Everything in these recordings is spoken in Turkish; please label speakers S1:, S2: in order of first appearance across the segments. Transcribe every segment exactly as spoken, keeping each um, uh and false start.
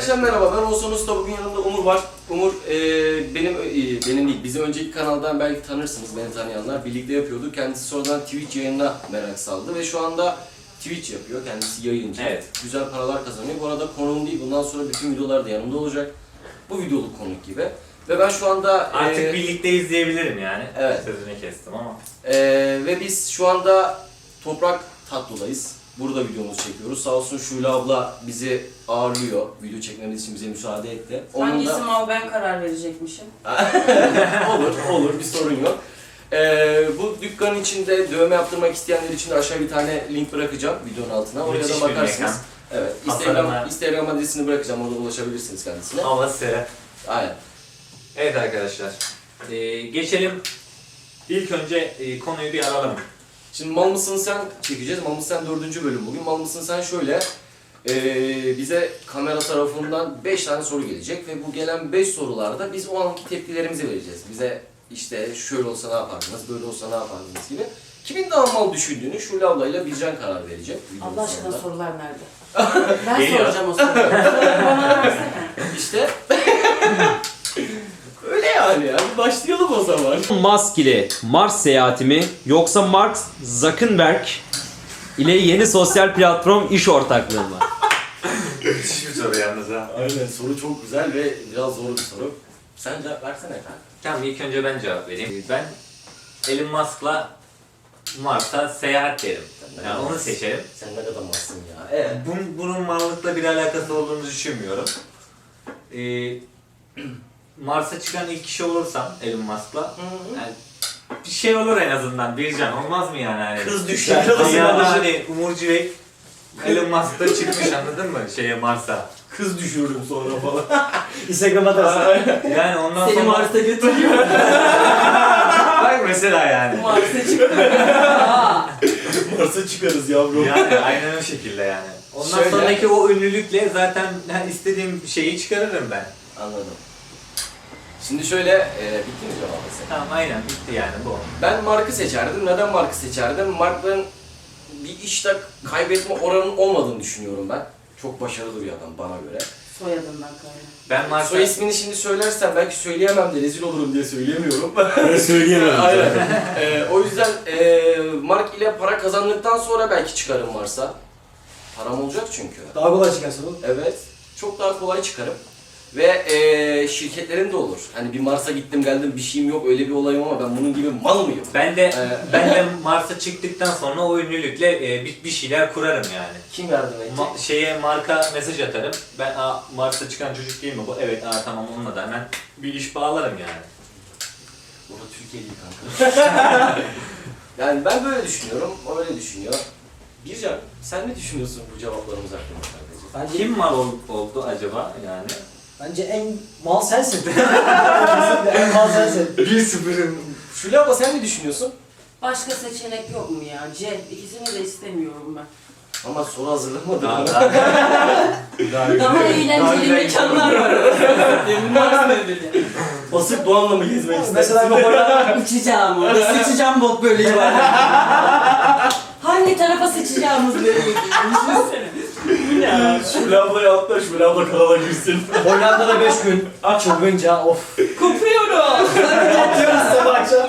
S1: Arkadaşlar merhaba, ben Oğuzhan Usta. Bugün yanımda Umur var. Umur e, benim e, benim değil, bizim önceki kanaldan belki tanırsınız, beni tanıyanlar. Birlikte yapıyorduk. Kendisi sonradan Twitch yayınına merak saldı ve şu anda Twitch yapıyor. Kendisi yayıncı.
S2: Evet.
S1: Güzel paralar kazanıyor. Bu arada konuğum değil, bundan sonra bütün videolarda yanımda olacak. Bu videoluk konuk gibi. Ve ben şu anda...
S2: Artık
S1: e,
S2: birlikte izleyebilirim yani.
S1: Evet.
S2: Sözünü kestim ama.
S1: e, ve biz şu anda Toprak Tatlı'dayız. Burada videomuzu çekiyoruz. Sağ olsun Şule abla bizi ağırlıyor. Video çekmemiz için bize müsaade etti. Onun
S3: Hangisi
S1: da...
S3: mal ben karar verecekmişim.
S1: olur, olur. Bir sorun yok. Ee, bu dükkanın içinde dövme yaptırmak isteyenler için de aşağı bir tane link bırakacağım videonun altına. Oraya
S2: Müthiş
S1: da
S2: bir
S1: bakarsınız.
S2: mekan.
S1: Evet.
S2: Tasarımlar.
S1: Instagram, Instagram adresini bırakacağım. Orada ulaşabilirsiniz kendisine.
S2: Havası.
S1: Aynen.
S2: Evet arkadaşlar. Ee, geçelim. İlk önce e, konuyu bir alalım.
S1: Şimdi Mal mısın sen çekeceğiz. Mal mısın sen dördüncü bölüm bugün. Mal mısın sen şöyle. Ee, bize kamera tarafından beş tane soru gelecek ve bu gelen beş sorularda biz o anki tepkilerimizi vereceğiz. Bize işte şöyle olsa ne yapardınız, böyle olsa ne yapardınız gibi. Kimin daha mal düşündüğünü Şule ablayla Bircan karar verecek. videonun
S3: Allah aşkına
S1: sonunda.
S3: sorular nerede? Ben
S2: Geliyor.
S3: soracağım o soruları. Soruları bana versene.
S1: İşte öyle yani ya. Bir başlayalım o zaman.
S4: Musk ile Mars seyahati mi yoksa Mark Zuckerberg ile yeni sosyal platform iş ortaklığı mı?
S2: Müthiş bir soru yalnız ha.
S1: Aynen, soru çok güzel ve biraz zor bir soru. Sen cevap versene efendim.
S2: Tamam, ilk önce ben cevap vereyim. Ben Elon Musk'la Mars'a seyahat derim. Yani onu seçerim.
S1: Sen ne kadar malsın ya. Evet.
S2: Bunun, bunun mallıkla bir alakası olduğunu düşünmüyorum. Ee, Mars'a çıkan ilk kişi olursam Elon Musk'la yani bir şey olur en azından. Bircan olmaz mı yani? Hani
S1: Kız düşer.
S2: Dünyada hani Umur Civek Elon Musk'ta çıkmış, anladın mı? Şeye, Mars'a.
S1: Kız düşürdüm sonra falan.
S4: Instagram'a atarsın.
S2: Yani ondan
S3: Seni
S2: sonra...
S3: Mars'a götürüyor.
S2: Bak mesela yani.
S3: Mars'a çıktı. Aa,
S1: Mars'a çıkarız yavrum.
S2: Yani aynen o şekilde yani. Ondan
S1: Şöyle-
S2: sonraki o ünlülükle zaten yani istediğim şeyi çıkarırım ben.
S1: Anladım. Şimdi şöyle, e, bitti mi cevabı sen?
S2: Tamam, aynen bitti yani bu.
S1: Ben Mark'ı seçerdim. Neden Mark'ı seçerdim? Mark'ın bir işte kaybetme oranının olmadığını düşünüyorum ben. Çok başarılı bir adam bana göre.
S3: soyadından kaynak.
S2: Ben Mars'a...
S1: Soy ismini şimdi söylersem belki söyleyemem de rezil olurum diye söyleyemiyorum.
S4: Söyleyemem.
S1: Aynen. Ee, o yüzden e, Mark ile para kazandıktan sonra belki çıkarım varsa. Param olacak çünkü.
S4: Daha kolay çıkarsın oğlum.
S1: Evet. Çok daha kolay çıkarım. Ve e, şirketlerim de olur. Hani bir Mars'a gittim geldim bir şeyim yok, öyle bir olayım ama ben bunun gibi mal mıyım?
S2: Ben de
S1: Ee,
S2: ben de Mars'a çıktıktan sonra o ünlülükle e, bir, bir şeyler kurarım yani.
S1: Kim yardım edecek?
S2: Ma- şeye marka mesaj atarım. Ben aa, Mars'a çıkan çocuk değil mi bu? Evet, aa, tamam, onunla da hemen bir iş bağlarım yani.
S1: Burada Türkiye değil kanka. Yani ben böyle düşünüyorum, o öyle düşünüyor. Bircan, sen ne düşünüyorsun bu cevaplarımız hakkında kardeşim?
S5: Bence,
S2: Kim mal ol- oldu acaba yani?
S5: bence en mal sensin. Kesinlikle en mal sensin.
S2: bir sıfırın.
S1: Şule abla sen ne düşünüyorsun?
S3: Başka seçenek yok mu ya? C. İkisini de istemiyorum ben.
S1: Ama soru hazırlamadım.
S2: Daha,
S1: Daha,
S2: daha,
S3: Daha
S2: Daha
S3: eğlenceli
S2: güzel
S3: mekanlar var. Demin Mars dedi.
S1: Basık Doğan'la mı gezmek istersin?
S5: Mesela bir Hollanda
S3: Uçacağım orada. Sıçacağım bot böreği var. Hangi tarafa sıçacağımız belli değil. Düşünsene. Bu ne abi?
S1: Şule ablaya atla, Şule abla kanala girsin.
S5: Hollanda'da beş gün çılgınca of.
S3: Kopuyoruz.
S5: Atıyoruz sabah akşam.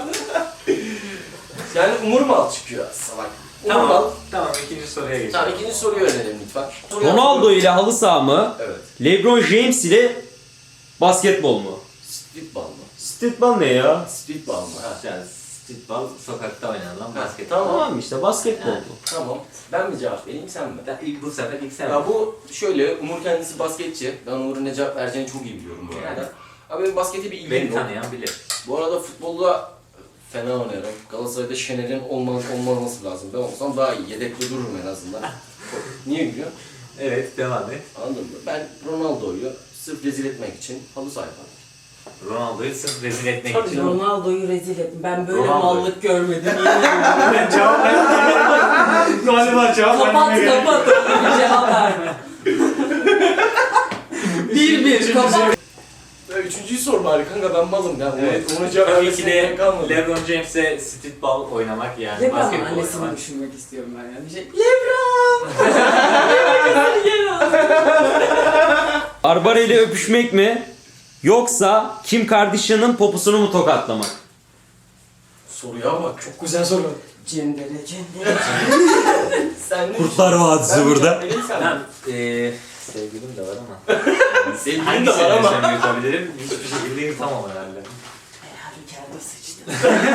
S1: Yani Umur Mal çıkıyor salak. Umur Mal.
S2: tamam, tamam, ikinci soruya geçelim.
S1: Tamam, ikinci soruyu öğrenelim lütfen. Soruyu
S4: Ronaldo ile halı saha mı?
S1: Evet.
S4: LeBron James ile basketbol mu?
S1: Streetball mı?
S4: Streetball ne ya?
S1: Streetball mı? Ha.
S2: Yani streetball sokakta oynanan
S1: Ha,
S2: basket.
S1: Tamam.
S4: Tamam işte basketbol
S2: Ha.
S4: bu.
S1: Tamam. Ben mi cevap vereyim, sen mi?
S2: Ben ilk- Bu sefer ilk sen.
S1: Ya bu şöyle, Umur kendisi basketçi. Ben Umur'un ne cevap vereceğini çok iyi biliyorum bu arada.
S2: Yani.
S1: Abi benim baskete bir ilgim
S2: Beni
S1: yok.
S2: tanıyan bilir.
S1: Bu arada futbolda fena oynarım. Galatasaray'da Şener'in olmaz, olmaması lazım. Ben olsam daha iyi. Yedekte dururum en azından. Niye gülüyor?
S2: Evet, devam et.
S1: Anladın mı? Ben Ronaldo'yu sırf rezil etmek için halı saha yaparım.
S2: Ronaldo'yu sırf rezil etmek
S1: Tabii
S2: için.
S1: canım.
S3: Ronaldo'yu rezil ettim. Ben böyle
S2: Ronaldo.
S3: mallık görmedim. Yemin ederim.
S2: Ben cevap vermem. Galiba cevap
S3: Kapat kapat. Bir cevap verme. bir bir kapat.
S1: Böyle üçüncüyü sor bari kanka, ben malım ya.
S2: Evet.
S1: Onu cevap
S2: Tabii ki
S1: vermesine
S2: de
S1: gerek kalmadı.
S2: LeBron James'e streetball oynamak yani
S3: Lebron
S2: basketbol
S3: annesini
S2: oynamak.
S3: düşünmek istiyorum ben ya. Bir şey. Lebron! Lebron!
S4: Barbara ile öpüşmek mi? Yoksa Kim Kardashian'ın poposunu mu tokatlamak?
S1: Soruya bak.
S5: Çok güzel soru.
S3: Cendere cendere.
S1: Sen ne
S4: Kurtlar Vadisi
S1: Ben
S4: burada.
S1: cevap vereyim sen.
S2: Ben eee sevgilim de var ama.
S1: Sevgilim de
S2: Hangisini
S1: var ama.
S2: desem yutabilirim? Hiçbir şekilde yutamam herhalde.
S3: Herhalde kendi sıçtı.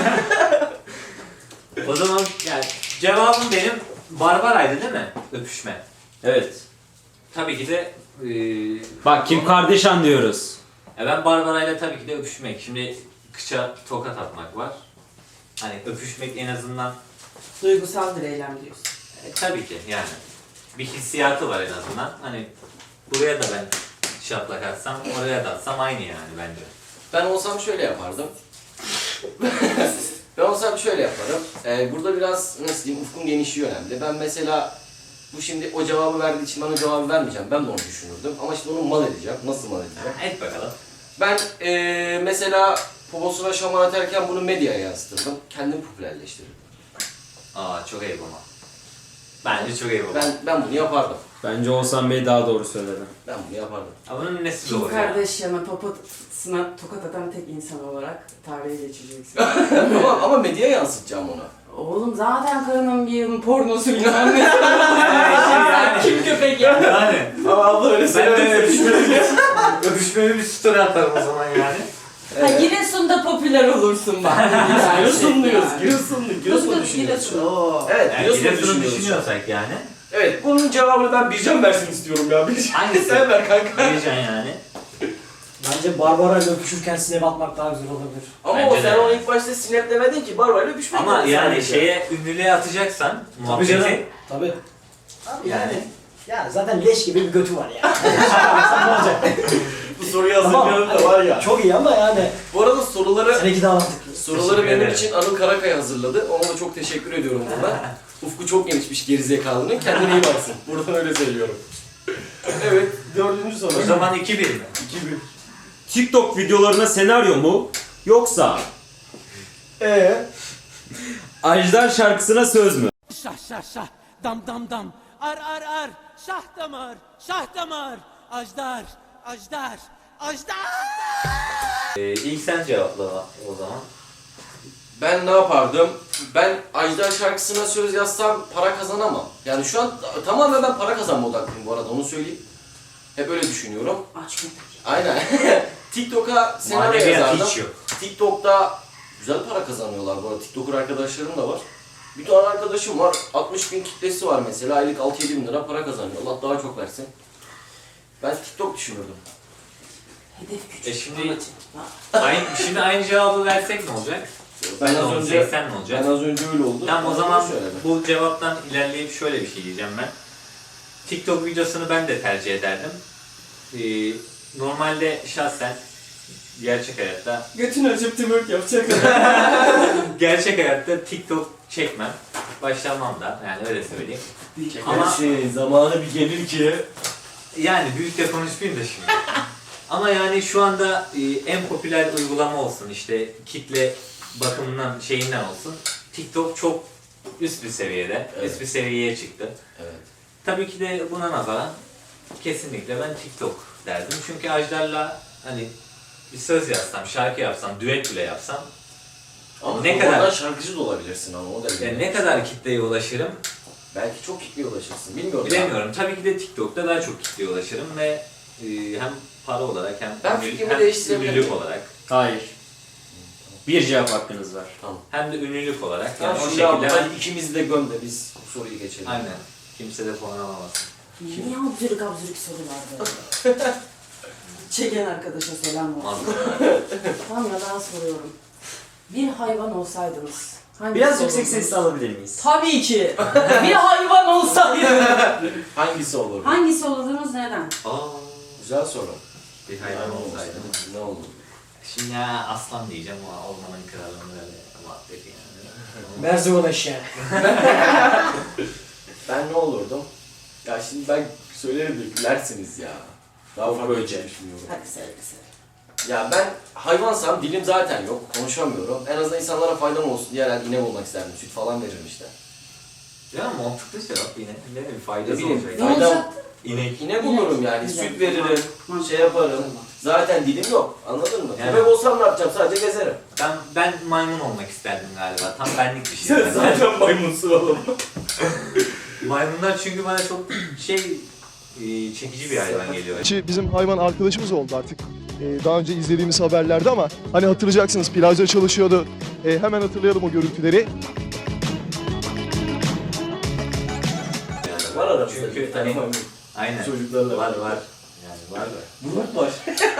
S2: O zaman yani cevabım benim Barbara'ydı değil mi? Öpüşme.
S4: Evet.
S2: Tabii ki de eee
S4: Bak Kim Kardashian diyoruz.
S2: ya ben Barbara'yla tabii ki de öpüşmek. Şimdi kıça tokat atmak var. Hani öpüşmek en azından
S3: Duygusal bir eylem diyorsun.
S2: e, tabii ki yani bir hissiyatı var en azından. Hani buraya da ben şaplak atsam, oraya da atsam aynı yani bence.
S1: Ben olsam şöyle yapardım. Ben olsam şöyle yaparım. Ee, burada biraz nasıl diyeyim, ufkum genişliği önemli. Ben mesela bu şimdi o cevabı verdiği için ben o cevabı vermeyeceğim. Ben de onu düşünürdüm. Ama şimdi onu mal edeceğim. Nasıl mal edeceğim?
S2: Et bakalım.
S1: Ben ee, mesela poposuna şamar atarken bunu medyaya yansıtırdım. Kendim popülerleştirirdim.
S2: Aa çok ayıp ama. Bence çok ayıp ama.
S1: Ben ben bunu yapardım.
S4: Bence Oğuzhan Bey daha doğru söyledi.
S1: Ben bunu yapardım.
S2: Ama bunun nesi
S3: Kim
S2: doğru ya?
S3: Kardashian'a poposuna tokat atan tek insan olarak tarihe geçeceksin.
S1: ama, ama medyaya yansıtacağım onu.
S3: Oğlum zaten karının bir yılın pornosu bilmem ne.
S2: yani.
S3: Kim köpek ya?
S2: Yani.
S1: Ama abla öyle
S2: Ben de öpüşmeli bir, öpüşmeli bir story atarım o zaman yani.
S3: Ha Giresun'da popüler olursun bak.
S1: Giresunluyuz. Giresunlu. Giresun
S3: Giresun,
S1: düşünüyoruz.
S3: Giresun.
S1: Oo. Evet,
S2: Yani
S1: Giresun'u
S2: Giresun'u
S1: düşünüyoruz.
S2: düşünüyorsak yani.
S1: Evet, bunun cevabını ben Bircan versin istiyorum ya. Bircan.
S2: Hangisi?
S1: Sen ver kanka.
S2: Diyeceksin yani.
S5: Bence Barbara ile öpüşürken sinep atmak daha güzel olabilir.
S1: Ama
S2: Bence
S1: o sen
S2: de.
S1: onu ilk başta sineplemedin ki, Barbara'yla öpüşmek
S2: Ama
S1: dedin
S2: yani
S1: sadece.
S2: şeye ünlülüğe atacaksan
S5: Tabii canım.
S2: muhabbeti.
S5: Tabii. Abi
S2: Yani.
S5: yani. Yani zaten leş gibi bir götü var yani. Sen ne olacak?
S1: Bu soruyu
S5: Tamam.
S1: hazırlıyorum da var ya.
S5: Çok iyi ama yani.
S1: Bu arada soruları
S5: Seninki daha mantıklı.
S1: soruları
S2: Teşekkür
S1: benim
S2: ederim.
S1: için Anıl Karakaya hazırladı. Ona da çok teşekkür ediyorum buradan. Ufku çok genişmiş gerizekalının. Kendine iyi baksın. Buradan öyle söylüyorum. Evet, dördüncü soru.
S2: O zaman iki bir mi?
S1: iki bir.
S4: TikTok videolarına senaryo mu? Yoksa
S1: Eee?
S4: Ajdar şarkısına söz mü?
S6: Şah şah şah, dam dam dam, ar ar ar, şah damar, şah damar, ajdar, ajdar, ajdar.
S2: Ee, ilk sen cevapla o zaman.
S1: Ben ne yapardım? Ben Ajdar şarkısına söz yazsam para kazanamam. Yani şu an tamamen ben para kazanma odaklıyım bu arada, onu söyleyeyim. Hep öyle düşünüyorum.
S3: Aç mı?
S1: Aynen. TikTok'a senaryo
S2: Maneviyat
S1: yazardım.
S2: hiç yok.
S1: TikTok'ta güzel para kazanıyorlar bu arada. TikToker arkadaşlarım da var. Bir tane arkadaşım var. altmış bin kitlesi var mesela. Aylık altı yedi bin lira para kazanıyor. Allah daha çok versin. Ben TikTok düşünürdüm.
S3: Hedef küçük.
S2: E şimdi-
S3: amacı.
S2: Aynı, şimdi aynı cevabı versek ne olacak?
S1: Ben
S2: Ne
S1: az
S2: olacak,
S1: önce
S2: seksen ne olacak?
S1: ben az önce öyle oldu.
S2: Tamam o
S1: Ben
S2: zaman
S1: onu söyledim.
S2: bu cevaptan ilerleyip şöyle bir şey diyeceğim ben. TikTok videosunu ben de tercih ederdim. Ee, normalde şahsen gerçek hayatta
S3: Götünü açıp tümört yapacak.
S2: gerçek hayatta TikTok çekmem. Başlamam da yani öyle söyleyeyim. Ama-
S1: Ama şey, zamanı bir gelir ki.
S2: Yani büyük de konuşmayayım da şimdi. Ama yani şu anda e, en popüler uygulama olsun işte kitle bakımından şeyinden olsun. TikTok çok üst bir seviyede,
S1: Evet.
S2: üst bir seviyeye çıktı.
S1: Evet.
S2: Tabii ki de buna nazaran kesinlikle ben TikTok derdim. Çünkü Ajdar'la hani bir söz yazsam, şarkı yapsam, düet bile yapsam
S1: Ama
S2: Ne
S1: ne
S2: kadar-
S1: kadar şarkıcı da olabilirsin ama o da
S2: e, ne kadar kitleye ulaşırım
S1: Belki çok kitleye ulaşırsın. Bilmiyorum.
S2: bilemiyorum. Tabii ki de TikTok'ta daha çok kitleye ulaşırım ve e, hem para olarak hem,
S1: Ben
S2: ünlü-
S1: fikrimi
S2: hem
S1: değiştirebilirim.
S2: ünlülük olarak
S4: Hayır. Bir cevap hakkınız var.
S1: Tamam.
S2: hem de ünlülük olarak
S1: Yani
S2: yani o
S1: şunu
S2: şekilde
S1: hadi ikimizi de göm de biz bu soruyu geçelim.
S2: aynen kimse de puan alamasın.
S3: Niye absürük absürük sorular böyle? Çeken arkadaşa selam olsun.
S2: Mazlum.
S3: Tamam ya daha soruyorum. Bir hayvan olsaydınız. hangisi
S4: Biraz yüksek
S3: olurdunuz?
S4: sesle alabilir miyiz?
S3: Tabii ki. Bir hayvan olsaydınız.
S1: Hangisi olur?
S3: Hangisi olurdunuz neden?
S2: Aa,
S1: Güzel soru.
S2: bir hayvan olsaydı.
S1: Ne olur?
S2: Şimdi ya aslan diyeceğim ama ormanın kralını böyle muhabbeti yani.
S5: Merzivan eşeği.
S1: Ben ne olurdum? Ya şimdi ben söylerim de gülersiniz ya. Daha
S4: Ufuk
S1: farklı bir
S4: Öce.
S1: şey düşünüyorum.
S3: Hadi söyle söyle.
S1: Ya ben hayvansam dilim zaten yok, konuşamıyorum. En azından insanlara faydam olsun diye herhalde inek olmak isterdim. Süt falan veririm işte.
S2: Ya mantıklı cevap yine. Ne bileyim
S1: Ne
S2: faydası
S1: bileyim,
S2: olacak.
S3: Ne
S1: faydam,
S3: olacaktı?
S2: İnek.
S1: inek olurum yani.
S3: Güzel.
S1: Süt veririm,
S3: Mantıklı.
S1: şey yaparım.
S3: Tamam.
S1: Zaten dilim yok, anladın mı?
S2: Yani-
S1: Köpek olsam ne yapacağım? Sadece gezerim.
S2: Ben ben maymun olmak isterdim galiba. Tam benlik bir şey.
S1: maymunsun oğlum.
S2: Maymunlar çünkü bana çok şey e, çekici bir hayvan geliyor.
S7: Ki bizim hayvan arkadaşımız oldu artık. Ee, daha önce izlediğimiz haberlerde ama hani hatırlayacaksınız plajda çalışıyordu. Ee, hemen hatırlayalım o görüntüleri.
S1: Var aramızda
S2: Çünkü
S1: bir tane
S2: hani-
S1: maymun.
S2: Aynen.
S1: Çocuklarla
S2: Var var. Yani var da.
S1: Grup var.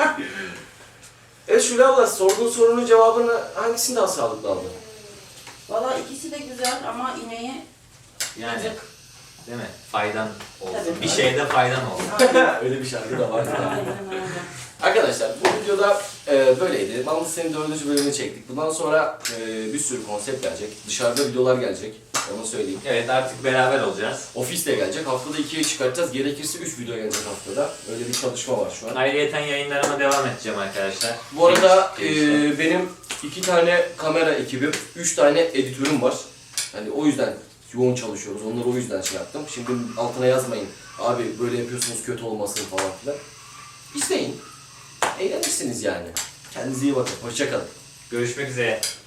S1: Evet Şule abla, sorduğun sorunun cevabını hangisini daha sağlıklı aldın?
S3: Valla ikisi de güzel ama ineği
S2: Yani
S3: yazık.
S2: değil mi? Faydan olsun.
S3: Tabii.
S2: Bir şeyde faydan olsun.
S3: Aynen.
S1: Öyle bir şarkı da var.
S3: Aynen öyle.
S1: Arkadaşlar bu videoda e, böyleydi. Mamlı Senin dördüncü bölümünü çektik. Bundan sonra e, bir sürü konsept gelecek. Dışarıda videolar gelecek. Onu söyleyeyim.
S2: Evet artık beraber olacağız.
S1: Ofiste gelecek. Haftada ikiye çıkartacağız. Gerekirse üç video gelecek haftada. Öyle bir çalışma var şu an.
S2: Ayrıyeten yayınlarıma devam edeceğim arkadaşlar.
S1: Bu arada e,
S2: Gelişler.
S1: benim iki tane kamera ekibim, üç tane editörüm var. Hani o yüzden yoğun çalışıyoruz. Onları o yüzden şey yaptım. Şimdi altına yazmayın. Abi böyle yapıyorsunuz kötü olmasın falan filan. İzleyin. Eğlenirsiniz yani. Kendinize iyi bakın. Hoşça kalın.
S2: Görüşmek üzere.